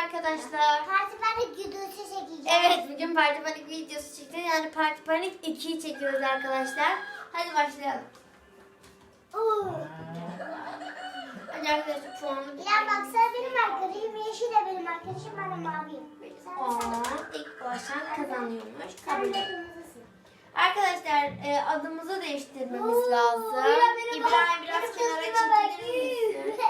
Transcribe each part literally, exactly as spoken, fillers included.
arkadaşlar. Parti panik videosu çekeceğiz. Evet, bugün Parti Panik videosu çıktı. Yani Parti Panik ikiyi çekiyoruz arkadaşlar. Hadi başlayalım. Oo. Hadi arkadaşlar şu anda İrem baksana benim arkadaşım. Yeşil de benim arkadaşım. Ben de maviyim. Sen, Aa, sen, ilk baştan kazanıyormuş. sen Kabul de et. kırmızısın. Arkadaşlar e, adımızı değiştirmemiz Oo, lazım. İrem, benim İbrahim bak- biraz benim kenara kızıma bak. çekilir misin?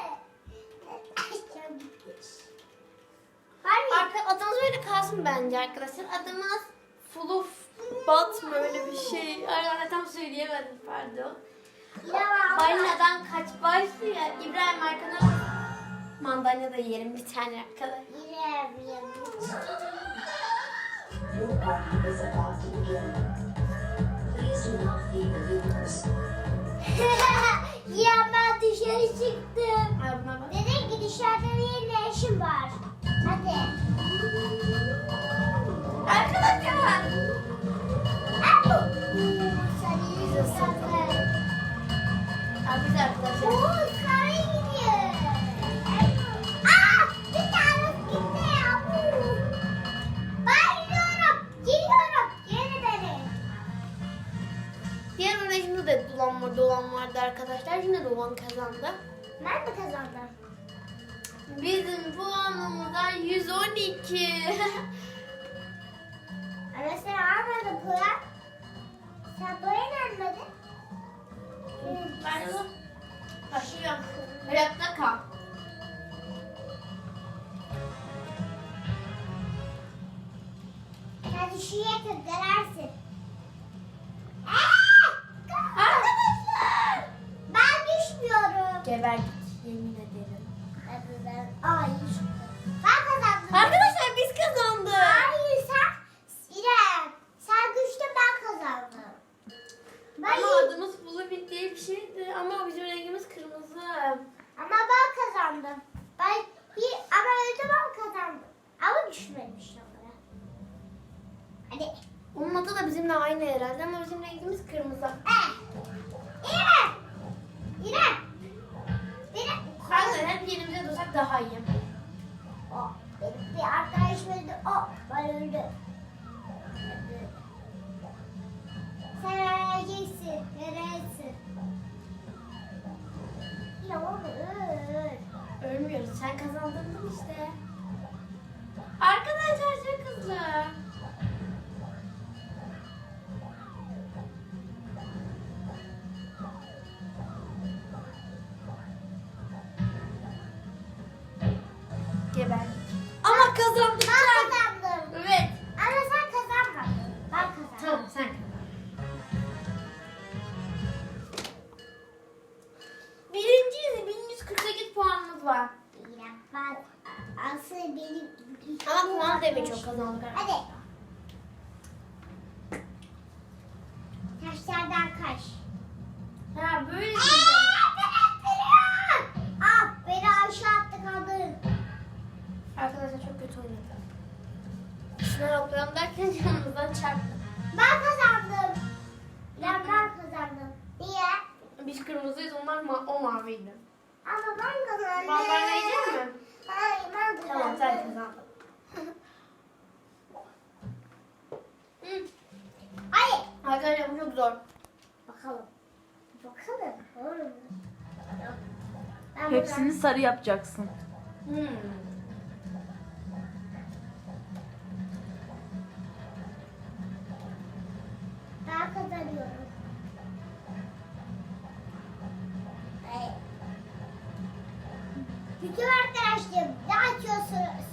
Hani? Arka, adımız böyle kalsın bence arkadaşlar. Adımız Fuluf Bat mı öyle bir şey. Ay, tam söyleyemedim pardon. İrem abla. Balinadan kaç başlıyor. İbrahim arkana mandalina da yiyelim bir tane arkadaşlar. İrem, İrem. Your party is about to begin. Please do not feed the viewers. İrem ben dışarı çıktım. Ay buna bak. Dedin ki dışarıda benim ne işim var? Hadi. Arkadaşlar. Abu. Sarı sarı. Abi arkadaşlar. Oo sarı gidiyor. Aa bir tane gitti Abu. Ben gidiyorum. Gidiyorum. Geri beni. Diğer oynayışımda da dolan, dolan vardı arkadaşlar. Yine dolan kazandı. Ben mi kazandım? Bizim puanımızdan yüz on iki. Ama sen almadın puan. Sen puan almadın. Ben de başlıyorum. Hayatta kal. Sen düşüye kırdırarsın. Arkadaşlar. Ben düşmüyorum. Geber git yemin ederim. Hadi ben. Ay. Ben kazandım. Arkadaşlar biz kazandık. Hayır sen. İrem. Sen düştün ben kazandım. Ben Ama iyi- adımız Bluebit diye bir şeydi ama bizim rengimiz kırmızı. Ama ben kazandım. Ben iyi ama öyle ben kazandım. Ama düşmedim işte onlara. Hadi. Onun adı da bizimle aynı herhalde ama bizim rengimiz kırmızı. Eh. İrem. İrem. İrem. Arkadaşlar hep yerimize dursak daha iyi. O, benim bir arkadaşım öldü. O, ben öldüm. Sen öleceksin. Neresin? Ya oğlum öl. Ölmüyoruz. Sen kazandın işte. Arkadaşlar çok hızlı. Geber. Ama kazandık. Ben kazandım. Evet. Ama sen kazanmadın. Ben kazandım. Tamam sen. Birinciyiz. bin yüz kırk sekiz puanımız var. İrem, ben aslında benim... Ama puan da çok kazandık. Hadi. Taşlardan kaç. Ha böyle. Aa, ben attırıyorum. Ah, beni aşağı attı kadın. Arkadaşlar çok kötü oynadı. Şuna hoplayalım derken yanımızdan çarptı. Ben kazandım. İrem ben kazandım. Niye? Biz kırmızıyız, onlar ma o maviydi. Ama ben kazandım. Mandalina yiyecek mi? Hayır ben kazandım. Tamam sen kazandın. Hı. Hayır. Arkadaşlar bu çok zor. Bakalım. Bakalım. Olur mu? Ben Hepsini sarı yapacaksın. Hmm. Ben kazanıyorum. Hayır. Bütün arkadaşlarım ne açıyorsunuz?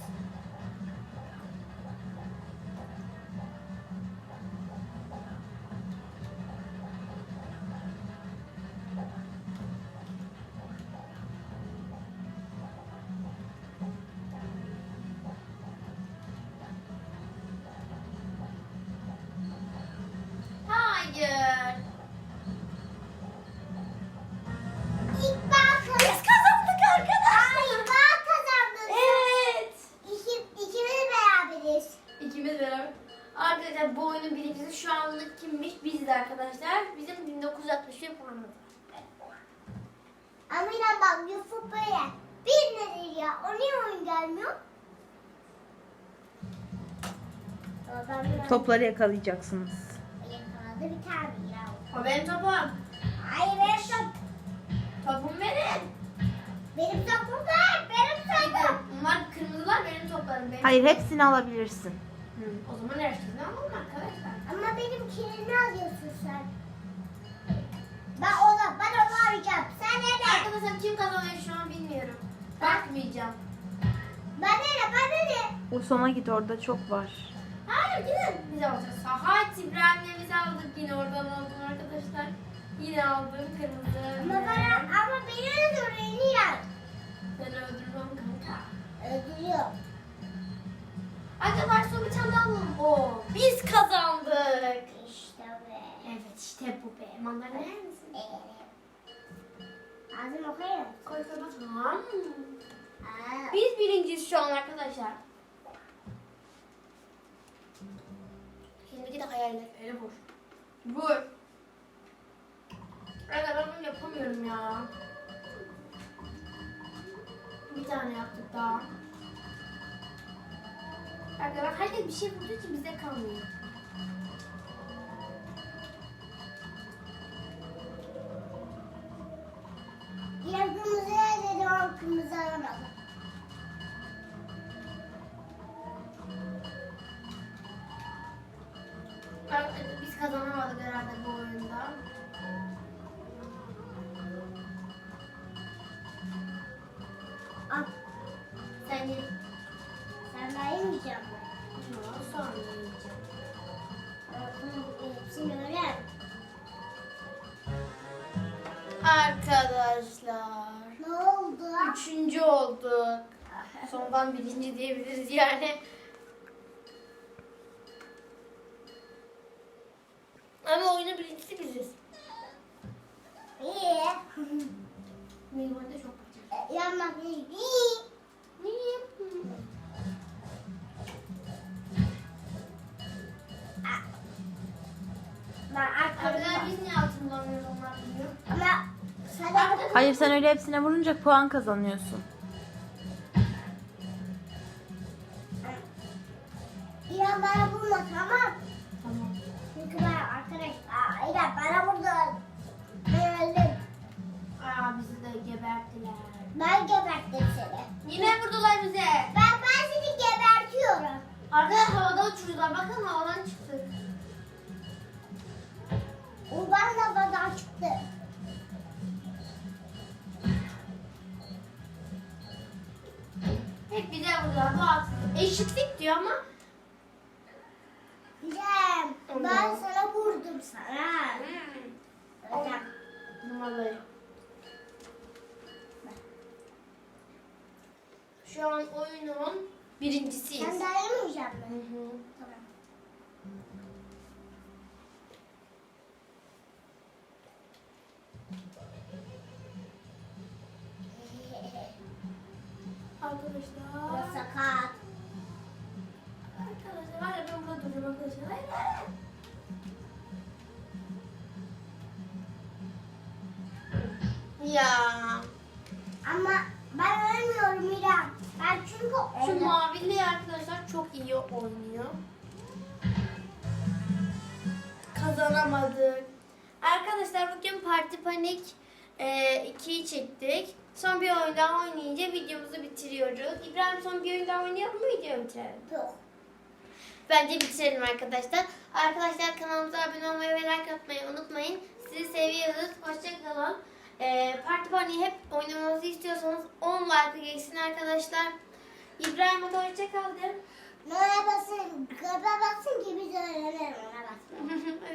Hayır. İlk ben kazandım. Biz kazandık arkadaşlar. Hayır ben kazandım. Evet. İki, ikimiz beraberiz. İkimiz beraber. Arkadaşlar bu oyunun birincisi şu anlık kimmiş? Biziz arkadaşlar. Bizim bin dokuz yüz altmış bir puanımız var. Ama yine bak Yusuf böyle. Bir nedir ya? O niye oyun gelmiyor? Ama ben biraz Topları yakalayacaksınız. yakaladı bir tane ya. O benim topum. Hayır benim top. Topum benim. Benim topum var. Benim topum. Bunlar kırmızılar benim toplarım. Benim. Hayır, hepsini alabilirsin. Hı, o zaman her şeyini alalım arkadaşlar. Ama benim kilini alıyorsun sen. Ben ona, ben onu arayacağım. Sen nerede? Arkadaşlar kim kazanıyor şu an bilmiyorum. Bakmayacağım. Ben nerede? Ben nerede? O sona git, orada çok var. Hayır gidin. Biz alacağız. Sahat İbrahim'le biz aldık. Yine oradan aldım arkadaşlar. Yine aldım kırmızı. Ama bana, ama beni öldürüyor ya. Ben öldürmem kanka. Öldürüyor. Arkadaşlar son bir tane daha alalım. Oo, biz kazandık. İşte be. Evet işte bu be. Mandalina yer misin? Ağzım okuyayım. Koy koy bak. Tamam. Aa, Biz birinciyiz şu an arkadaşlar. Şimdi gidip hayaller. Öyle vur. Vur. Arkadaşlar ben bunu yapamıyorum ya. Bir tane yaptık daha. Arkadaşlar herkes bir şey vurduğu için bize kalmıyor. yine kırmızı dedim ama kırmızı aramadım. Arkadaşlar biz kazanamadık herhalde bu oyunda. Al, Sen ye. sen daha yemeyeceğim mi? Yok, sonra yiyeceğim. Hepsini öyle. Arkadaşlar. Ne oldu? Üçüncü olduk. Sondan birinci diyebiliriz yani. Ama oyunun birincisi biziz. İyi. Benim oyunda çok kötü. E, Yanmak iyi. İyi. Niye? Ben Arkadaşlar arkadaşlar. biz niye altın bulamıyoruz onlar biliyor. Ama sana Hayır, sen öyle hepsine vurunca puan kazanıyorsun. İrem bana vurma tamam. Tamam. Çünkü ben arkadaş. Aa, İrem bana vurdu. Ben öldüm. Aa bizi de geberttiler. Ben geberttim seni. Yine vurdular bize. Ben ben seni gebertiyorum. Arkadaşlar havada uçurdular. Bakın havadan çıktık. O bana bana çıktı. Hep bize vurdular. Bu haksızlık. Eşitlik diyor ama. İrem Tamam. ben sana vurdum sana. Hmm. Hocam. Vallahi. Şu an oyunun birincisiyiz. Sen daha yemeyecek Hı misin? hı. Tamam. Arkadaşlar. O sakat. Arkadaşlar hala ben burada duracağım arkadaşlar. Hayır hayır. Ya. Ama ben ölmüyorum İrem. Ben çünkü Şu öyle. mavili arkadaşlar çok iyi oynuyor. Kazanamadık. Arkadaşlar bugün Parti Panik ikiyi çektik. Son bir oyun daha oynayınca videomuzu bitiriyoruz. İbrahim son bir oyun daha oynayalım mı, videoyu bitirelim? Yok. Bence bitirelim arkadaşlar. Arkadaşlar kanalımıza abone olmayı ve like atmayı unutmayın. Sizi seviyoruz. Hoşçakalın. Ee, Parti Panik'i hep oynamamızı istiyorsanız on like geçsin arkadaşlar. İbrahim hadi hoşçakal de. Nora basın, göbe basın ki biz öğrenelim ona basın.